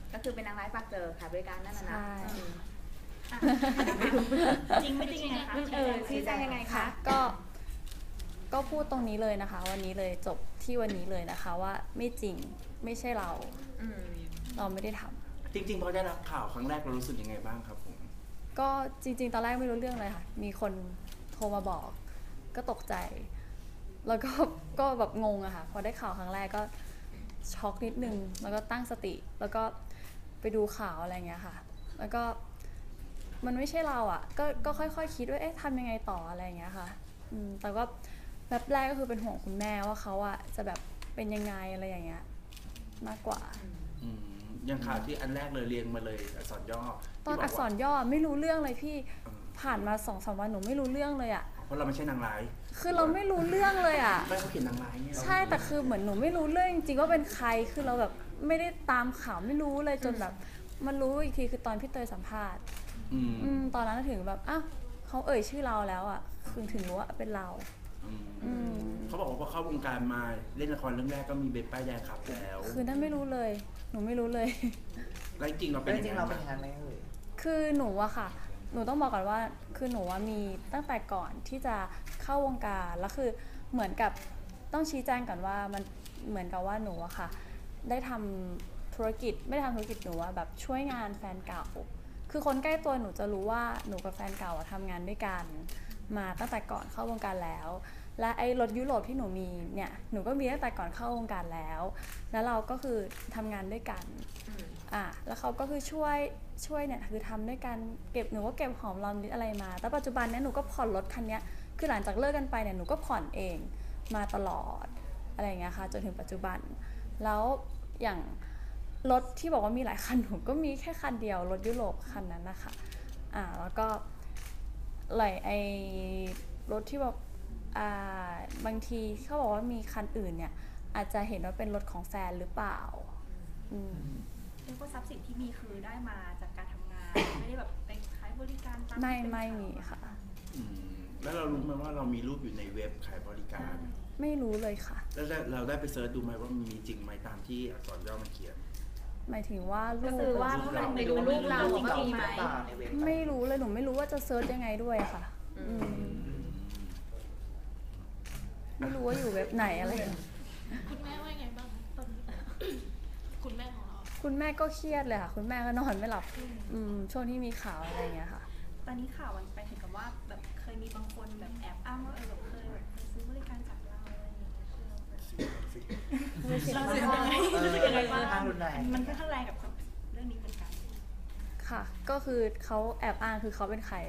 ก็คือเป็นนางร้ายปากเจอขายบริการนั่นน่ะนะจริงไม่จริงยังไงคะชี้แจงยังไงคะก็พูดตรงนี้เลยนะคะวันนี้เลยจบที่วันนี้เลยนะคะว่าไม่จริงไม่ใช่เราไม่ได้ทำจริงๆพอได้รับข่าวครั้งแรกเรารู้สึกยังไงบ้างครับผมก็จริงๆตอนแรกไม่รู้เรื่องเลยค่ะมีคนโทรมาบอกก็ตกใจแล้วก็แบบงงอะค่ะพอได้ข่าวครั้งแรกก็ช็อกนิดนึงแล้วก็ตั้งสติแล้วก็ไปดูข่าวอะไรเงี้ยค่ะแล้วก็มันไม่ใช่เราอะก็ค่อยๆคิดว่าเอ๊ะทำยังไงต่ออะไรเงี้ยค่ะแต่ก็แบบแรกก็คือเป็นห่วงคุณแม่ว่าเขาอะจะแบบเป็นยังไงอะไรอย่างเงี้ยมากกว่าอย่างข่าวที่อันแรกเลยเรียงมาเลยอักษรย่อตอนอักษรย่อไม่รู้เรื่องเลยพี่ผ่านมา 2-3 วันหนูไม่รู้เรื่องเลยอะเพราะเราไม่ใช่นางร้ายคือเราไม่รู้เรื่องเลยอะไม่เขาเขียนนางร้ายเนี่ยใช่แต่คือเหมือนหนูไม่รู้เรื่องจริงๆว่าเป็นใครคือเราแบบไม่ได้ตามข่าวไม่รู้เลยจนแบบมันรู้อีกทีคือตอนพี่เตยสัมภาษณ์ตอนนั้นถึงแบบอ้าวเขาเอ่ยชื่อเราแล้วอะคือถึงรู้ว่าเป็นเราเขาบอกว่าพอเข้าวงการมาเล่นละครเรื่องแรกก็มีเบสป้ายแดงขับแล้วคือนั่นไม่รู้เลยหนูไม่รู้เลยแล้วจริงเราเป็นยังไงไหมคือหนูอะค่ะหนูต้องบอกก่อนว่าคือหนูว่ามีตั้งแต่ก่อนที่จะเข้าวงการแล้วคือเหมือนกับต้องชี้แจงก่อนว่ามันเหมือนกับว่าหนูอะค่ะได้ทำธุรกิจไม่ได้ทำธุรกิจหนูว่าแบบช่วยงานแฟนเก่าคือคนใกล้ตัวหนูจะรู้ว่าหนูกับแฟนเก่าทำงานด้วยกันมาตั้งแต่ก่อนเข้าวงการแล้วและไอ้รถยุโรปที่หนูมีเนี่ยหนูก็มีตั้งแต่ก่อนเข้าวงการแล้วเราก็คือทำงานด้วยกันแล้วเขาก็คือช่วยเนี่ยคือทำด้วยกันเก็บหนูก็เก็บหอมรอมริบอะไรมาแต่ปัจจุบันเนี่ยหนูก็ผ่อนรถคันนี้คือหลังจากเลิกกันไปเนี่ยหนูก็ผ่อนเองมาตลอดอะไรอย่างเงี้ยค่ะจนถึงปัจจุบันแล้วอย่างรถที่บอกว่ามีหลายคันหนูก็มีแค่คันเดียวรถยุโรปคันนั้นนะคะแล้วก็ไหลไอ้รถที่บอกบางทีเขาบอกว่ามีคันอื่นเนี่ยอาจจะเห็นว่าเป็นรถของแฟนหรือเปล่าเรียกว่าทรัพย์สินที่มีคือได้มาจากการทำงานไม่ได้แบบไปขายบริการตามไม่มีค่ะแล้วเรารู้ไหมว่าเรามีรูปอยู่ในเว็บขายบริการไม่รู้เลยค่ะแล้วเราได้ไปเซิร์ชดูไหมว่ามีจริงไหมตามที่อักษรย่อมันเขียนหมายถึงว่ารูปว่ามันไปดูรูปเราว่ามีไหมไม่รู้เลยหนูไม่รู้ว่าจะเซิร์ชยังไงด้วยค่ะไม่รู้ว่าอยู่เว็บไหนอะไรคุณแม่ว่าไงบ้างตอนนี้คุณแม่ของเราคุณแม่ก็เครียดเลยค่ะคุณแม่ก็นอนไม่หลับช่วงที่มีข่าวอะไรอย่างเงี้ยค่ะตอนนี้ข่าวมันไปถึงกับว่าแบบเคยมีบางคนแบบแอบอ้างว่าแบบเคยแบบซื้อบริการจากเราอะไรอย่างเงี้ยเราเสียยังไงบ้างมันค่อนข้างแรงกับเรื่องนี้เหมือนกันค่ะก็คือเขาแอบอ้างคือเขาเป็นใคร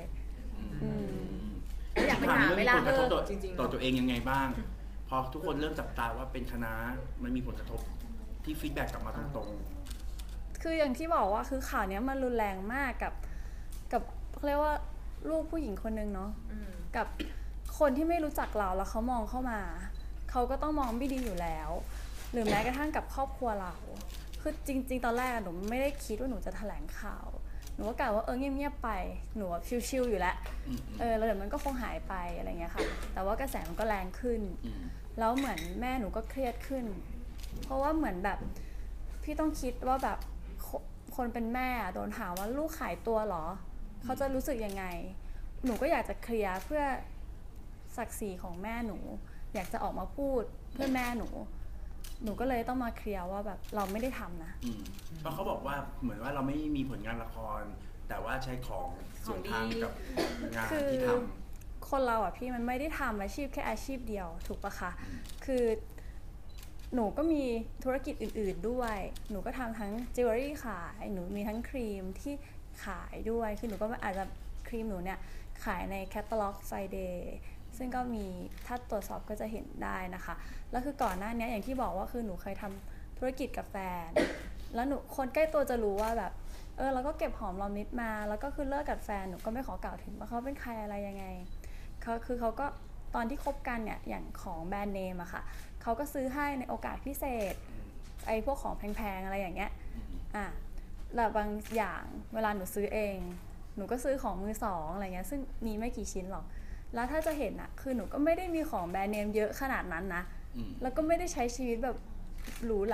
อยากไปถามเวลาจริงๆต่อตัวเองยังไงบ้างพอทุกคนเริ่มจับตาว่าเป็นคณะมันมีผลกระทบที่ฟีดแบ็กกลับมาตรงๆคืออย่างที่บอกว่าคือข่าวนี้มันรุนแรงมากกับเขาเรียกว่าลูกผู้หญิงคนนึงเนาะกับคนที่ไม่รู้จักเราแล้วเขามองเข้ามาเขาก็ต้องมองไม่ดีอยู่แล้วหรือแม้กระทั่งกับครอบครัวเราคือจริงๆตอนแรกหนูไม่ได้คิดว่าหนูจะแถลงข่าวหนูก็กล่าวว่าเงียบๆไปหนูชิลๆอยู่แล้วแล้วเดี๋ยวมันก็คงหายไปอะไรเงี้ยค่ะแต่ว่ากระแสมันก็แรงขึ้นแล้วเหมือนแม่หนูก็เครียดขึ้นเพราะว่าเหมือนแบบพี่ต้องคิดว่าแบบคนเป็นแม่โดนถามว่าลูกขายตัวเหรอเขาจะรู้สึกยังไงหนูก็อยากจะเคลียร์เพื่อศักดิ์ศรีของแม่หนูอยากจะออกมาพูดเพื่อแม่หนูก็เลยต้องมาเคลียร์ว่าแบบเราไม่ได้ทำนะเพราะเขาบอกว่าเหมือนว่าเราไม่มีผลงานละครแต่ว่าใช้ของส่วนทางกับงานที่ทำคนเราอ่ะพี่มันไม่ได้ทำอาชีพแค่อาชีพเดียวถูกปะคะคือหนูก็มีธุรกิจอื่นๆด้วยหนูก็ทำทั้งจิวเวลรี่ขายหนูมีทั้งครีมที่ขายด้วยคือหนูก็อาจจะครีมหนูเนี่ยขายในแคตตาล็อกไฟเดย์ซึ่งก็มีถ้าตรวจสอบก็จะเห็นได้นะคะแล้วคือก่อนหน้านี้อย่างที่บอกว่าคือหนูเคยทำธุรกิจกับแฟนแล้วหนูคนใกล้ตัวจะรู้ว่าแบบเราก็เก็บหอมรอมริบมาแล้วก็คือเลิกกับแฟนหนูก็ไม่ขอกล่าวถึงว่าเขาเป็นใครอะไรยังไงเขาก็ตอนที่คบกันเนี่ยอย่างของแบรนด์เนมอะค่ะเขาก็ซื้อให้ในโอกาสพิเศษไอ้พวกของแพงๆอะไรอย่างเงี้ยแล้วบางอย่างเวลาหนูซื้อเองหนูก็ซื้อของมือสองอะไรเงี้ยซึ่งมีไม่กี่ชิ้นหรอกแล้วถ้าจะเห็นอะคือหนูก็ไม่ได้มีของแบรนด์เนมเยอะขนาดนั้นนะแล้วก็ไม่ได้ใช้ชีวิตแบบหรูหรา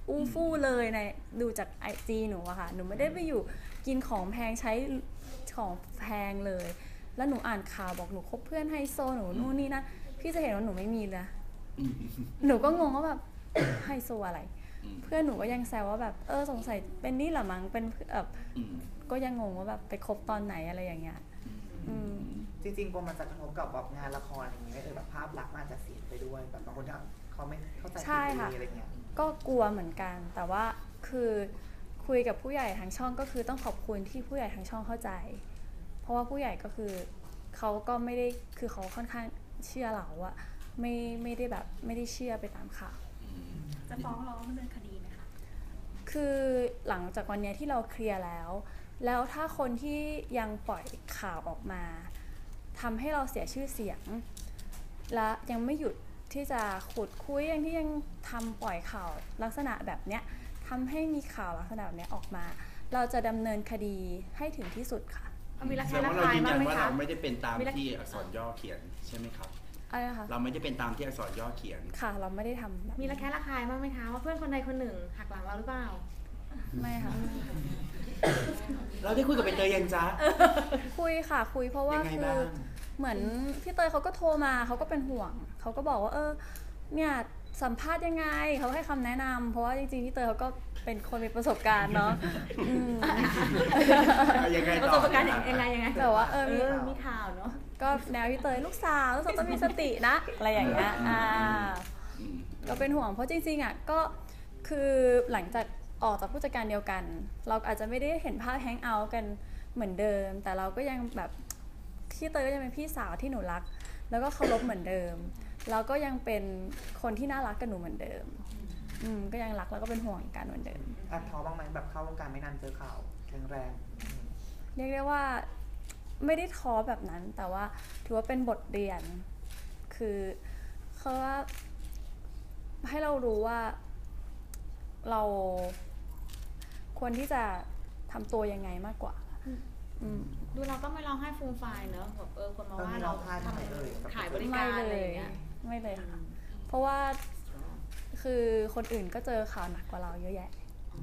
อู้ฟู่เลยในดูจาก IG หนูอะค่ะหนูไม่ได้ไปอยู่กินของแพงใช้ของแพงเลย แล้วหนูอ่านข่าวบอกหนูคบเพื่อนไฮโซหนูนู่นนี่นะพี่จะเห็นว่าหนูไม่มีเลยอืมหนูก็งงว่าแบบไฮโซอะไรอืมเพื่อนหนูก็ยังแซวว่าแบบสงสัยเป็นนี่เหรอมั้งเป็นแบบอืมก็ยังงงว่าแบบไปคบตอนไหนอะไรอย่างเงี้ยอืมจริงๆกลัวมันจะกระทบกับแบบงานละครอะไรอย่างเงี้ยแบบภาพลักษณ์มันอาจจะเสียไปด้วยแบบบางคนเขาไม่เข้าใจใช่ค่ะอะไรเงี้ยก็กลัวเหมือนกัน แต่ว่าคือคุยกับผู้ใหญ่ทางช่องก็คือต้องขอบคุณที่ผู้ใหญ่ทางช่องเข้าใจ เพราะว่าผู้ใหญ่ก็คือเขาก็ไม่ได้คือเขาค่อนข้างเชื่อเราอะไม่ได้แบบไม่ได้เชื่อไปตามข่าวจะฟ้องร้องดำเนินคดีไหมคะคือหลังจากวันเนี้ยที่เราเคลียร์แล้วถ้าคนที่ยังปล่อยข่าวออกมาทำให้เราเสียชื่อเสียง และยังไม่หยุดที่จะขุดคุยยังที่ยังทำปล่อยข่าวลักษณะแบบเนี้ยทำให้มีข่าวลักษณะแบบเนี้ยออกมา เราจะดำเนินคดีให้ถึงที่สุดค่ะมีระแสแคะดงระว่าเราคายยืนบ้ายังนไหมว่าคะเราไม่ได้เป็นตามที่อักษรย่อเขียนใช่ไหมครับอะไรนะคะเราไม่ได้เป็นตามที่อักษรย่อเขียนค่ะเราไม่ได้ทำแบบมีระแคะระคายบ้างไหมคะว่าเพื่อนคนใดคนหนึ่งหักหลังเราหรือเปล่าไม่ค่ะเราได้คุยกับใบเตยยังจ๊ะคุยค่ะคุยเพราะว่ายังไงคืบ้าอง เหมือนพี่เตยเขาก็โทรมาเขาก็เป็นห่วงเขาก็บอกว่าเนี่ยสัมภาษณ์ยังไงเขาให้คำแนะนำเพราะว่าจริงๆพี่เตยเขาก็เป็นคนมีประสบการณ์เนาะอืมยังไงประต่สอบการณ์ยังไงยังไงแบบว่ามีข่าวเนาะก็แนวพี่เตยลูกสาวต้องมีสตินะอะไรอย่างเงี้ยอืมก็เป็นห่วงเพราะจริงๆอ่ะก็คือหลังจากออกจากผู้จัดการเดียวกัน เราอาจจะไม่ได้เห็นภาพแฮงเอาท์กันเหมือนเดิม แต่เราก็ยังแบบพี่เตยก็ยังเป็นพี่สาวที่หนูรัก แล้วก็เคารพเหมือนเดิมแล้วก็ยังเป็นคนที่น่ารักกับหนูเหมือนเดิมก็ยังรักแล้วก็เป็นห่วงกันเหมือนเดิมแอบท้อบ้างไหมแบบเข้าวงการไม่นานเจอข่าวแรงเรียกได้ว่าไม่ได้ท้อแบบนั้น แต่ว่าถือว่าเป็นบทเรียน คือเขาว่าให้เรารู้ว่าเราควรที่จะทำตัวยังไงมากกว่าดูเราก็ไม่ร้องไห้ฟูมไฟายเนอะแบบคนมาๆว่ามีเราร้องไห้ทำไมเอ่ยขายบริการอะไรอย่างเงี้ยไม่เลยค่ะ เพราะว่าคือคนอื่นก็เจอข่าวหนักกว่าเราเยอะแยะ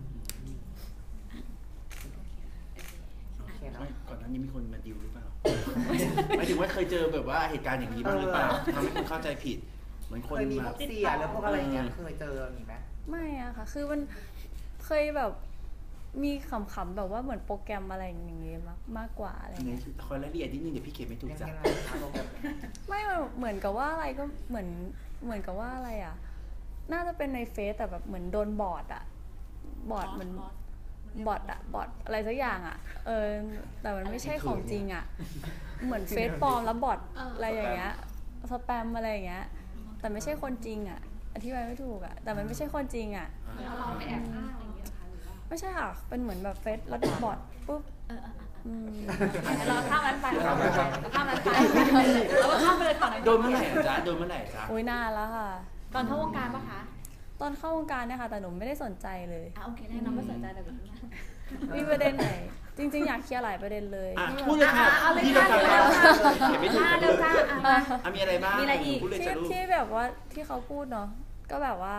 โอเคเนอะไม่ก่อนหน้านี้มีคนมาดิวหรือเปล่า หมายถึงว่าเคยเจอแบบว่าเหตุการณ์อย่างนี้บ้างหรือเปล่าทำให้คนเข้าใจผิด เหมือนคนเคยมีแบพวบกเสียหรือพวกอะไรเงี้ยเคยเจอมีไหมไม่อะค่ะ คือมันเคยแบบมีขำๆแบบว่าเหมือนโปรแกรมอะไรอย่างเงี้ยมากกว่าอะไรในเงี้ยคอยรายละเอียดนิดนึงเดี๋ยวพี่เขียนไม่ถูกยังจ้ะไงคะโรงแรมไม่เหมือนกับว่าอะไรก็เหมือนกับว่าอะไรอะน่าจะเป็นในเฟซแต่แบบเหมือนโดนบอทอะบอทเหมือนบอทอะไรสักอย่างอะแต่มันไม่ใช่ของจริงอะเหมือนเฟซปลอมแล้วบอทอะไรอย่างเงี้ยสแปมอะไรอย่างเงี้ยแต่ไม่ใช่คนจริงอะอธิบายไม่ถูกอะแต่มันไม่ใช่คนจริริงอะเราไปแอบอ้างอะไรอย่างเงี้ยเหรอคะหรือว่าไม่ใช่ค่ะเป็นเหมือนแบบเฟซแล้วบอทปุ๊บเราข้ามนั้นไปเราข้ามนั้นไปเราก็ข้ามไปเลยก่อนโดนเมื่อไหร่อะจ๊ะโดนเมื่อไหร่จ๊ะอุ้ยนานแล้วค่ะตอนเข้าวงการปะคะตอนเข้าวงการเนี่ยค่ะแต่หนูไม่ได้สนใจเลยโอเคได้น้องไม่สนใจแต่แบบนี้มีประเด็นไหนจริงๆอยากเคลียร์หลายประเด็นเลยอ่ะพูดเลยค่ะเอาเลยพี่ค่ะต้องการเร็วค่ะเขียนไม่ถูกเร็วค่ะอ่ะมีอะไรบ้างมีอะไรอีกพูดเลยจ้ะลูกที่แบบว่าที่เขาพูดเนาะก็แบบว่า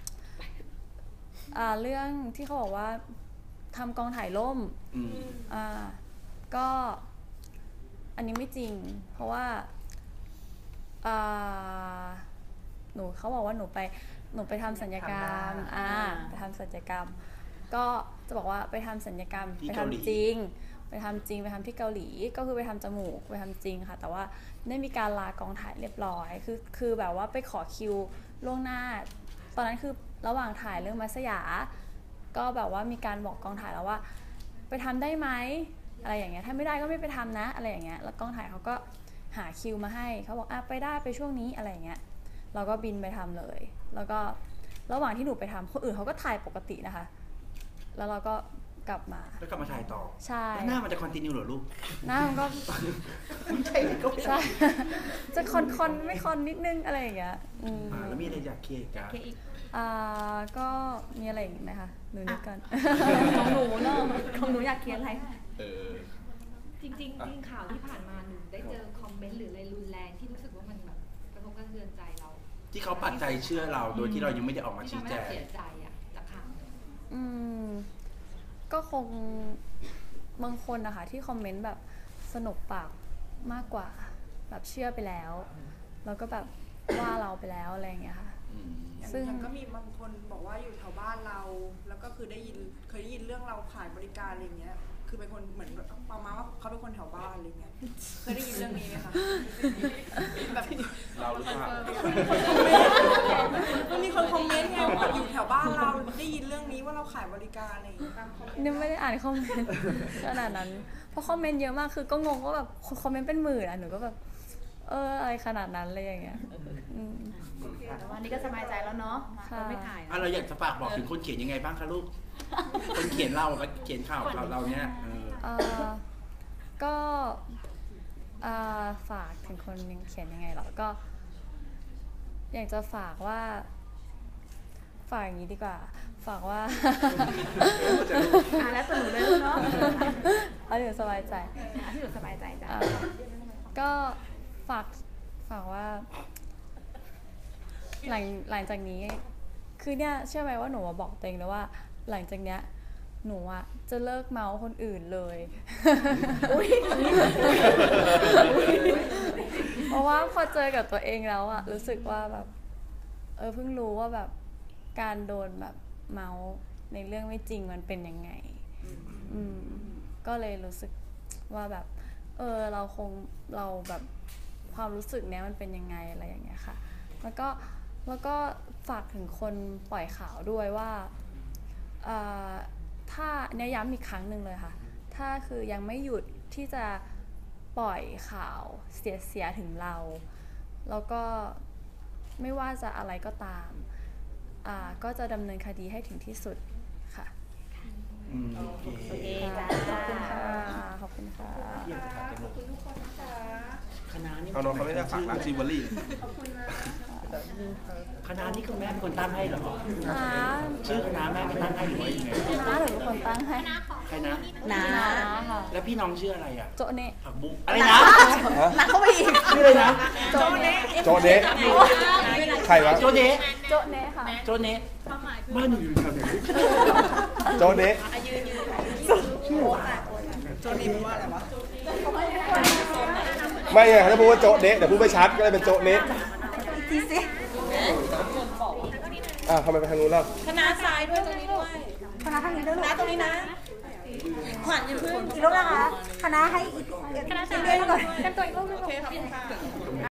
เรื่องที่เขาบอกว่าทำกองถ่ายล่มอืมก็อันนี้ไม่จริง เพราะว่าเขาบอกว่าหนูไปทำศัลยกรรมไปทำศัลยกรรม ก็จะบอกว่าไปทำศัลยกรรมไปทำจริงไปทำที่เกาหลีก็คือไปทำจมูกไปทำจริงค่ะแต่ว่าได้มีการลากองถ่ายเรียบร้อยคือแบบว่าไปขอคิวล่วงหน้า ตอนนั้นคือระหว่างถ่ายเรื่องมัสยาก็แบบว่ามีการบอกกองถ่ายแล้วว่าไปทำได้ไหมอะไรอย่างเงี้ยถ้าไม่ได้ก็ไม่ไปทำนะอะไรอย่างเงี้ยแล้วกองถ่ายเขาก็หาคิวมาให้เขาบอกไปได้ไปช่วงนี้อะไรอย่างเงี้ยเราก็บินไปทำเลยแล้วก็ระหว่างที่หนูไปทำคนอื่นเขาก็ถ่ายปกตินะคะแล้วเราก็กลับมาแล้วกลับมาถ่ายต่อใช่แล้วหน้ามันจะคอนติเนียเหรอลูกหน้ามันก็ใช่ก็ใช่จะคอนไม่คอนนิดนึงอะไรอย่างเงี้ยแล้วมีอะไรอยากเคลียร์อีกกันก็มีอะไรอีกไหมคะหนูนึกกันของหนูเนอะของหนูอยากเขียนอะไรจริงข่าวที่ผ่านมาหนูได้เจอคอมเมนต์หรืออะไรรุนแรงที่รู้สึกว่ามันแบบกระทบกระเทือนใจเราที่เขาปักใจเชื่อเราโดยที่เรายังไม่ได้ออกมาชี้แจงที่ทำให้เราเสียใจอะจากข่าวนี้อืมก็คงบางคนนะคะที่คอมเมนต์แบบสนุกปากมากกว่าแบบเชื่อไปแล้วแล้วก็แบบว่าเราไปแล้วอะไรอย่างเงี้ยค่ะ ซึ่งอย่างก็มีบางคนบอกว่าอยู่แถวบ้านเรา แล้วก็คือเคยได้ยินเรื่องเราขายบริการอะไรเงี้ย คือเป็นคนเหมือนประมาณว่าเขาเป็นคนแถวบ้านอะไรเงี้ย เคยได้ยินเรื่องนี้ไหมคะแบบเราหรือเปล่ามันมีคนคอมเมนต์ไงว่าอยู่แถวบ้านเราได้ยินเรื่องนี้ว่าเราขายบริการอะไรอย่างเงี้ยนี่ไม่ได้อ่านคอมเมนต์ ขนาดนั้นเพราะคอมเมนต์เยอะมากคือก็งงว่าแบบคอมเมนต์เป็นหมื่นหนูก็แบบอะไรขนาดนั้นเลยอย่างเงี้ยแต่วันนี้ก็สบายใจแล้วเนาะเราไม่ถ่ายเราอยากจะฝากบอกถึงคนเขียนยังไงบ้างคะลูก คนเขียนเรากับเขียนข่าวเราเนี่ยก็ฝากถึงคนเขียนยังไงหรอก็อยากจะฝากว่าฝากอย่างนี้ดีกว่าฝากว่าแล้วสนุกเลยเนาะเอาที่หนูสบายใจที่หนูสบายใจจ้ะก็ฝากว่าหลังจากนี้คือเนี่ยเชื่อไหมว่าหนูบอกตัวเองแล้วว่าหลังจากเนี้ยหนูอะจะเลิกเมาคนอื่นเลยเพราะว่าพอเจอกับตัวเองแล้วอะรู้สึกว่าแบบเพิ่งรู้ว่าแบบการโดนแบบเมาในเรื่องไม่จริงมันเป็นยังไงก็เลยรู้สึกว่าแบบเราแบบความรู้สึกเนี้ยมันเป็นยังไงอะไรอย่างเงี้ยค่ะแล้วก็ฝากถึงคนปล่อยข่าวด้วยว่าถ้าเนี่ยย้ำอีกครั้งหนึ่งเลยค่ะถ้าคือยังไม่หยุดที่จะปล่อยข่าวเสียถึงเราแล้วก็ไม่ว่าจะอะไรก็ตามก็จะดำเนินคดีให้ถึงที่สุดค่ะโอเคจ้าขอบคุณค่ะขอบคุณค่ะคณะนี่เอาน้องเขาไม่ได้ฝากร้านจิวเวลรี่คณะนี่คุณแม่เป็นคนตั้งให้เหรอชื่อคณะแม่เป็นตั้งให้หรือว่ายังไงน้าหรือเป็นคนตั้งให้ใครนะน้าค่ะแล้วพี่น้องชื่ออะไรอ่ะโจเนะผักบุ้งอะไรนะหนักเข้าไปอีกชื่ออะไรนะโจเนะโจเนะใครวะโจเนะโจเนะค่ะโจเนะบ้านอยู่แถวไหนโจเนะโจนี่มันว่าอะไรวะไม่ไงถ้าพูดว่าโจเนะแต่พูดไม่ชัดก็เลยเป็นโจเนะทำไมไปทางนู้นล่ะคณะซ้ายด้วยตรงนี้ด้วยคณะทางนี้ด้วยคณะตรงนี้นะขวัญอยู่เพื่อนอีกรูปนะคะคณะให้อีกคณะเรื่อยๆก่อนกันตัวอีกรูปนึงโอเคขอบคุณค่ะ